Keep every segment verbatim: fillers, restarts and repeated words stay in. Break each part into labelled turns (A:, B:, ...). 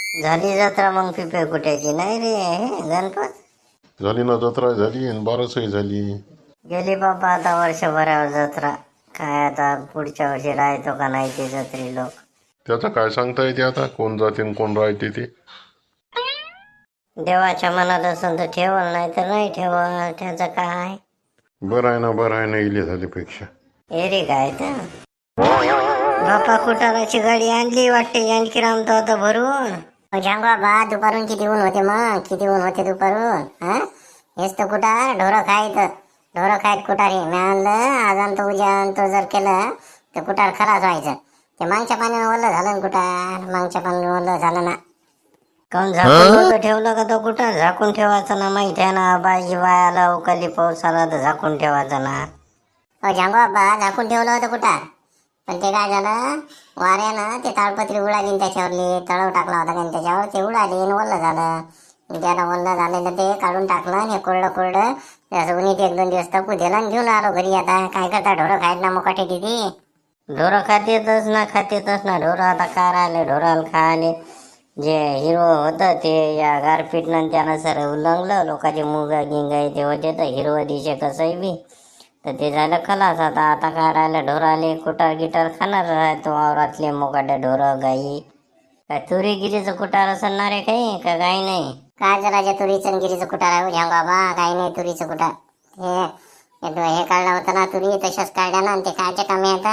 A: झाली जत्रा मग पिपे कुट्याची नाही रे हे गणपत
B: झाली ना जत्रा झाली आणि बारसही झाली.
A: गेली बाबा आता वर्षभरावर जत्रा. काय आता पुढच्या वर्षी राहतो का नाही ते जत्री लोक.
B: त्याचं काय सांगता येते आता कोण जाते आणि कोण राहते ते.
A: देवाच्या मनात असेल तर ठेवल नाही तर नाही ठेवल त्याचं काय.
B: बरं आहे ना बरं आहे ना इले झाल्यापेक्षा.
A: एरी काय तर बापा कुटाराची गाडी आणली वाटते जानकी राम तो आता भरून.
C: झांग बाबा दुपारून किती ऊन होते मग किती ऊन होते दुपारून. हा हेच तर कुटार ढोरं खायत ढोरं खायत कुटार हे मी आणलं आज आणतो उद्या आणतो जर केलं तर कुटार खराच व्हायचं. ते मागच्या पाण्यानं ओलं झालं ना कुटार मागच्या पाण्यानं ओलं झालं ना.
A: काऊन झाकून नव्हतं ठेवलं का तो कुटार. झाकून ठेवायचं ना माहित आहे ना बाजी वायाला उकाली पाऊस आला तर झाकून ठेवायचं ना.
C: अ झांग बाबा झाकून ठेवलं होतं कुटार पण ते काय झालं वाऱ्यानं ते ताडपत्री उडाली त्याच्यावरली तळव टाकला होता कारण त्याच्यावर ते उडाली आणि ओलं झालं. त्याला ओलं झालेलं ते काढून टाकलं आणि कोरडं कोरडं असं उन्हीत एक दोन दिवस तपू दिलं आणि घेऊन आलो घरी. आता काय करता ढोरं खायत ना मुकाटे किती.
A: ढोरं खातेतच ना खातेतच ना ढोरं. आता काय राहिले ढोराला खायले जे हिरवं होतं ते या गारपीटनं त्यानं सर उल्लंघलं. लोकांचे मुगा गिंगा ते होते तर हिरवं दिशे कसंही बी तर ते झालं खलास. आता आता काय राहिलं ढोराले कुटार गिटार खाणार राहतो वावरातले मोकाटे ढोरं गाई. काय तुरी गिरीचं कुटार असणार आहे काही का गाई नाही.
C: काय जरा तुरीचं गिरीचं कुटार आहे झांग बाबा काही नाही तुरीचं कुटार. हे हे काढलं होतं ना तुरी तशाच काढल्या ना ते कायच्या कामी आता.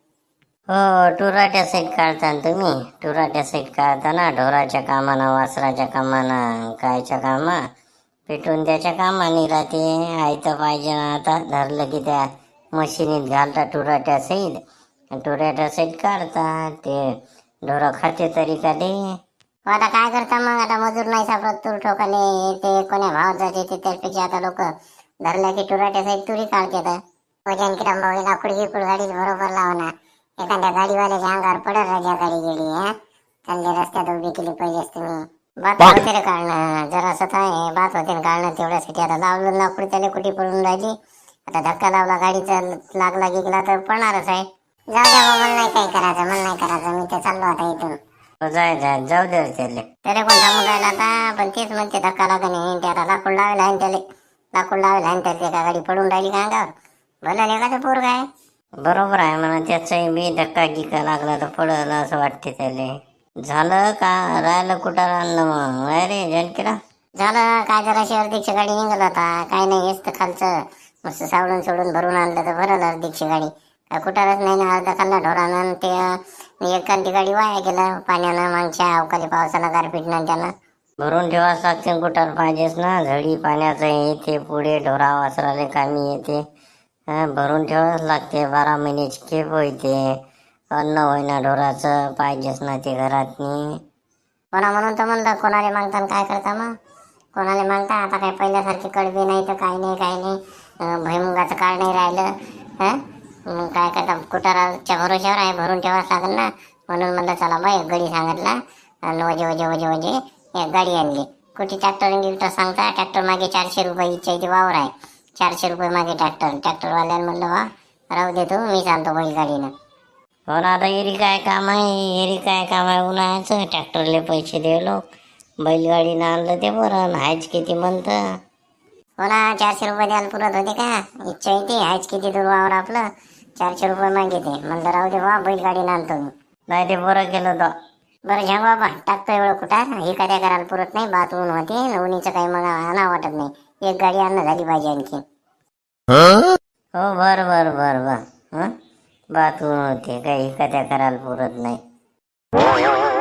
A: हो टुराट्या साईड काढता तुम्ही. टुराट्या साईड काढता ना ढोराच्या कामानं वासराच्या कामानं कायच्या कामा पेटून त्याच्या कामाने राहते. आयतं पाहिजे ना आता धरलं की त्या मशिनीत घालता टुराट्या साईड टुराट्या साईड काढतात ते ढोरं खाते तरी का ते.
C: आता काय करता मग आता मजूर नाही सापडत तूर ठोकाले ते कोण्या भावात जाते ते त्यापेक्षा आता लोक धरल्या की टुराट्या साईड तुरी काढतात. वजन किराम भाऊ लाकूड गिकूड गाडी बरोबर लावणार एखाद्या गाडीवाल्याच्या अंगावर पडत राजा गाडी गेली. हा चालले रस्त्यात उभी केली पाहिजेच तुम्ही. बात होते रे काढणं जरा स्वतः आहे बात होते काढणं तेवढ्यासाठी. आता लावलं लाकूड त्याला कुठे पडून राहिली. आता धक्का लावला गाडीचा लागला गिकला तर पडणारच आहे. जाऊ द्या मग मला नाही काही करायचं मला नाही करायचं मी ते चाललो आता इथून.
A: जाय जाय जाऊ दे त्याले.
C: त्याला कोण थांबून राहिला आता पण तेच म्हणते धक्का लागा नाही त्याला लाकूड लावेल आहे त्याला लाकूड लावेल आहे त्याला का गाडी पडून राहिली का अंगावर. भलं लेखाचं पोर काय
A: बरोबर आहे म्हणा त्याचाही बी धक्का गिका लागला तर पडलं असं वाटते त्याले. झालं का राहिलं कुठं आणलं मग नाही रे जानकीला.
C: झालं काय जरा अर्धीची गाडी निघाल होता काय नाही हेच तर खालचं मस्त सावडून सोडून भरून आणलं तर भरलं अर्धीची गाडी. काय कुठारच नाही ना अर्धा खाल्ला ढोरानं ते एखादी गाडी वाया गेलं पाण्यानं मागच्या अवकाळी पावसानं गारपीटनं त्यानं.
A: भरून ठेवाच लागते कुठार पाहिजेच ना. झडी पाण्याचं येते पुढे ढोरा वासराले कामी येते. भरून ठेवाच लागते. बारा महिन्याची खेप होते अन्न होईना ढोराचं पाहिजेच ना ते घरातनी.
C: कोणा म्हणून तर म्हणलं कोणाला मागता काय करता मग कोणाला मागता. आता काय पहिल्यासारखे कडबे नाही तर काही नाही काही नाही भुईमुगाचं काळ नाही राहिलं. हां मग काय करता कुटाराच्या भरोश्यावर आहे भरून ठेवाच लागेल ना. म्हणून म्हणलं चला बा एक गाडी सांगितला आणि वजे वजे वजे वजे एक गाडी आणली. कुठे ट्रॅक्टर गिक्टर सांगता ट्रॅक्टर मागे चारशे रुपये इच्छा इथे वावर आहे चारशे रुपये मागे ट्रॅक्टर ट्रॅक्टरवाल्यानं म्हणलं वा राहू दे तू मी चालतो बैलगाडीनं.
A: हो ना आता एरी काय काम आहे एरी काय काम आहे उन्हाळ्याचं ट्रॅक्टरले पैसे दे लोक. बैलगाडीनं आणलं ते बरं हायच किती म्हणतं.
C: हो ना चारशे रुपये द्यायला पुरत होते का इच्छा येते हायच किती दूर वावर आपलं चारशे रुपये मागिते म्हणलं राहू दे वा बैलगाडीनं आणतो मी.
A: नाही ते बरं केलं तर.
C: बरं झा बाबा टाकतो एवढं कुठार हे काय करायला पुरत नाही बात ऊन होते उन्हीचं काही मला आणा वाटत नाही. एक गाडी आणणं झाली पाहिजे आणखी.
A: हो बर बर बर बर हं बात होते काही कथ्या करायला पुरत नाही.